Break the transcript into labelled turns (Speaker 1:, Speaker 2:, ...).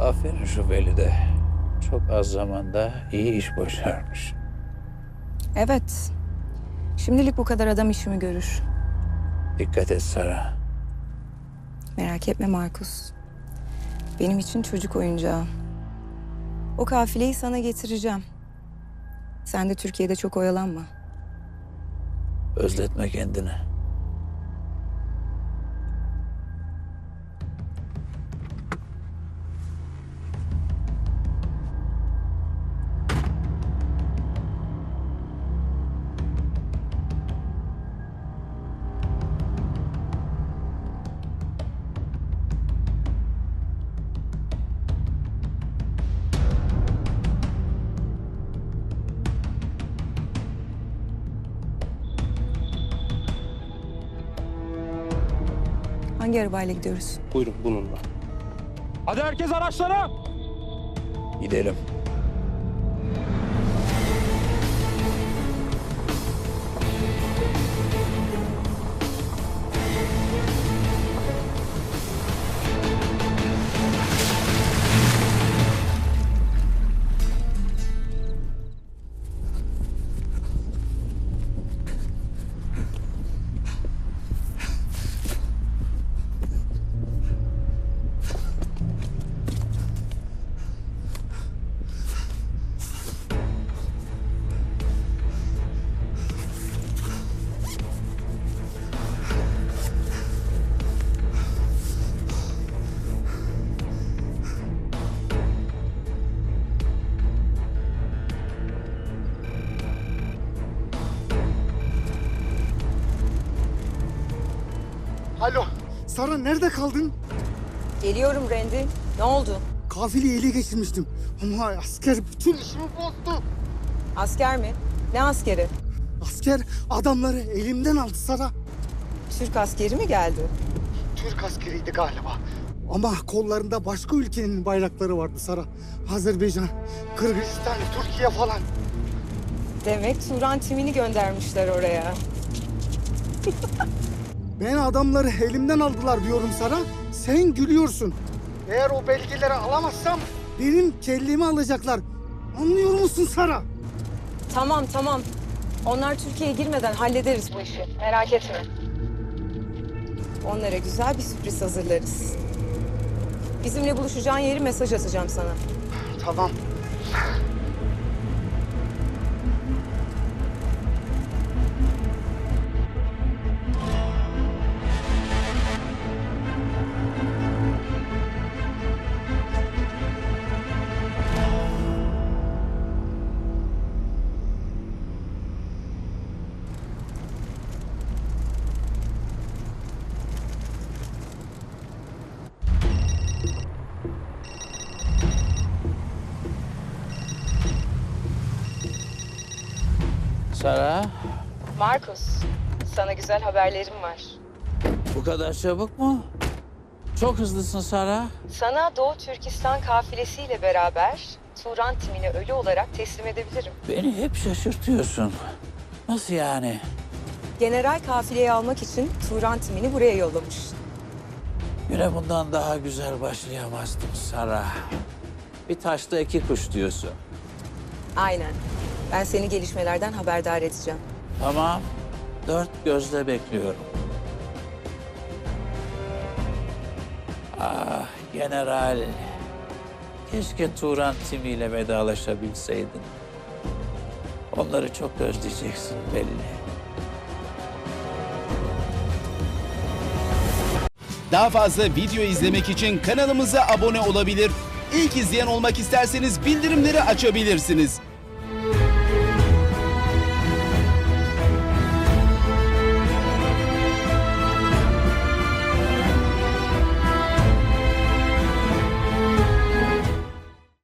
Speaker 1: Aferin şu Velide. Çok az zamanda iyi iş başarmış.
Speaker 2: Evet. Şimdilik bu kadar adam işimi görür.
Speaker 1: Dikkat et Sara.
Speaker 2: Merak etme Markus. Benim için çocuk oyuncağı. O kafileyi sana getireceğim. Sen de Türkiye'de çok oyalanma.
Speaker 1: Özletme kendini.
Speaker 2: Hangi arabayla gidiyoruz?
Speaker 3: Buyurun bununla. Hadi herkes araçlara!
Speaker 1: Gidelim.
Speaker 4: Alo, Sara nerede kaldın?
Speaker 2: Geliyorum Randy. Ne oldu?
Speaker 4: Kafileyi ele geçirmiştim. Ama asker bütün işimi bozdu.
Speaker 2: Asker mi? Ne askeri?
Speaker 4: Asker adamları elimden aldı Sara.
Speaker 2: Türk askeri mi geldi?
Speaker 4: Türk askeriydi galiba. Ama kollarında başka ülkenin bayrakları vardı Sara. Azerbaycan, Kırgızistan, Türkiye falan.
Speaker 2: Demek Turan timini göndermişler oraya.
Speaker 4: Ben adamları elimden aldılar diyorum Sara. Sen gülüyorsun. Eğer o belgeleri alamazsam benim kellemi alacaklar. Anlıyor musun Sara?
Speaker 2: Tamam. Onlar Türkiye'ye girmeden hallederiz bu işi. Merak etme. Onlara güzel bir sürpriz hazırlarız. Bizimle buluşacağın yeri mesaj atacağım sana.
Speaker 4: Tamam.
Speaker 1: Sara,
Speaker 2: Markus, sana güzel haberlerim var.
Speaker 1: bu kadar çabuk mu? Çok hızlısın Sara.
Speaker 2: Sana Doğu Türkistan kafilesiyle beraber Turan timini ölü olarak teslim edebilirim.
Speaker 1: Beni hep şaşırtıyorsun. Nasıl yani?
Speaker 2: General kafileyi almak için Turan timini buraya yollamış.
Speaker 1: Güne bundan daha güzel başlayamazdım Sara. Bir taşta iki kuş diyorsun.
Speaker 2: Aynen. Ben seni gelişmelerden haberdar edeceğim.
Speaker 1: Tamam, dört gözle bekliyorum. Ah general, keşke Turan timiyle vedalaşabilseydin. Onları çok özleyeceksin belli.
Speaker 5: Daha fazla video izlemek için kanalımıza abone olabilir. İlk izleyen olmak isterseniz bildirimleri açabilirsiniz.